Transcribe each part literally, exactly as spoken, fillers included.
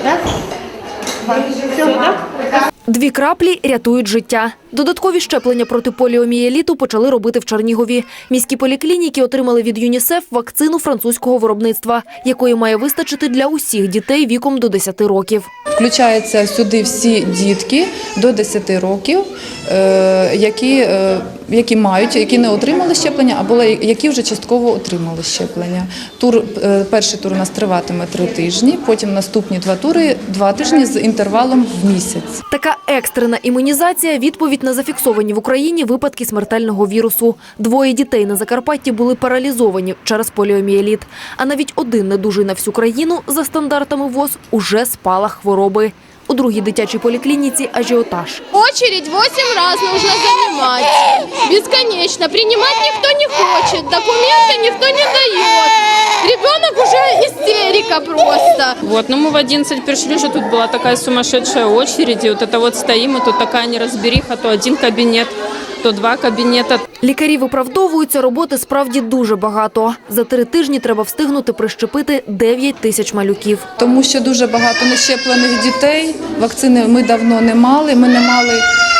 Дві краплі рятують життя. Додаткові щеплення проти поліомієліту почали робити в Чернігові. Міські поліклініки отримали від ЮНІСЕФ вакцину французького виробництва, якої має вистачити для усіх дітей віком до десяти років. Включаються сюди всі дітки до десяти років, які, які мають, які не отримали щеплення, або які вже частково отримали щеплення. Тур, перший тур у нас триватиме три тижні, потім наступні два тури – два тижні з інтервалом в місяць. Така екстрена імунізація – відповідь на зафіксовані в Україні випадки смертельного вірусу. Двоє дітей на Закарпатті були паралізовані через поліомієліт. А навіть один недужий на всю країну за стандартами ВОЗ уже спалах хвороби. У другій дитячій поліклініці ажіотаж. Очередь вісім разів нужно займати. Безконечно. Приймати ніхто не хоче, документи ніхто не дає. Ребенок уже истерика просто. Вот, ну мы в одиннадцать пришли, что тут была такая сумасшедшая очередь, и вот это вот стоим, и тут такая неразбериха, то один кабинет, то два кабінети. Лікарі виправдовуються, роботи справді дуже багато. За три тижні треба встигнути прищепити дев'ять тисяч малюків. Тому що дуже багато нещеплених дітей, вакцини ми давно не мали, ми не мали,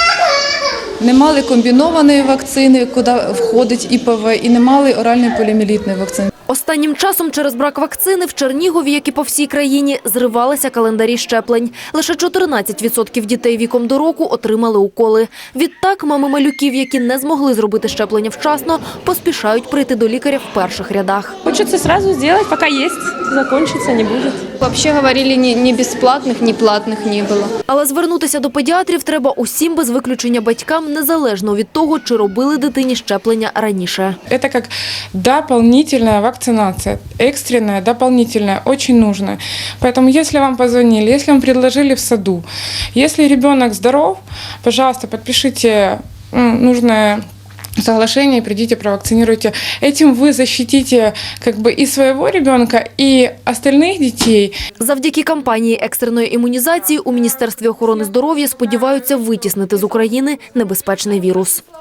не мали комбінованої вакцини, куди входить І Пе Ве, і не мали оральної поліомієлітної вакцини. Останнім часом через брак вакцини в Чернігові, як і по всій країні, зривалися календарі щеплень. Лише чотирнадцять відсотків дітей віком до року отримали уколи. Відтак мами малюків, які не змогли зробити щеплення вчасно, поспішають прийти до лікаря в перших рядах. Хочеться одразу зробити, поки є, закінчиться, не буде. Взагалі говорили, ні, ні безплатних, ні платних не було. Але звернутися до педіатрів треба усім без виключення батькам, незалежно від того, чи робили дитині щеплення раніше. Це як дополнительна вакцинация. Вакцинация экстренная, дополнительная, очень нужная. Поэтому, если вам позвонили, если вам предложили в саду, если ребенок здоров, пожалуйста, подпишите нужное соглашение и придите, провакцинируйте. Этим вы защитите как бы и своего ребенка, и остальных детей. Завдяки кампанії екстреної імунізації у Міністерстві охорони здоров'я сподіваються витіснити з України небезпечний вірус.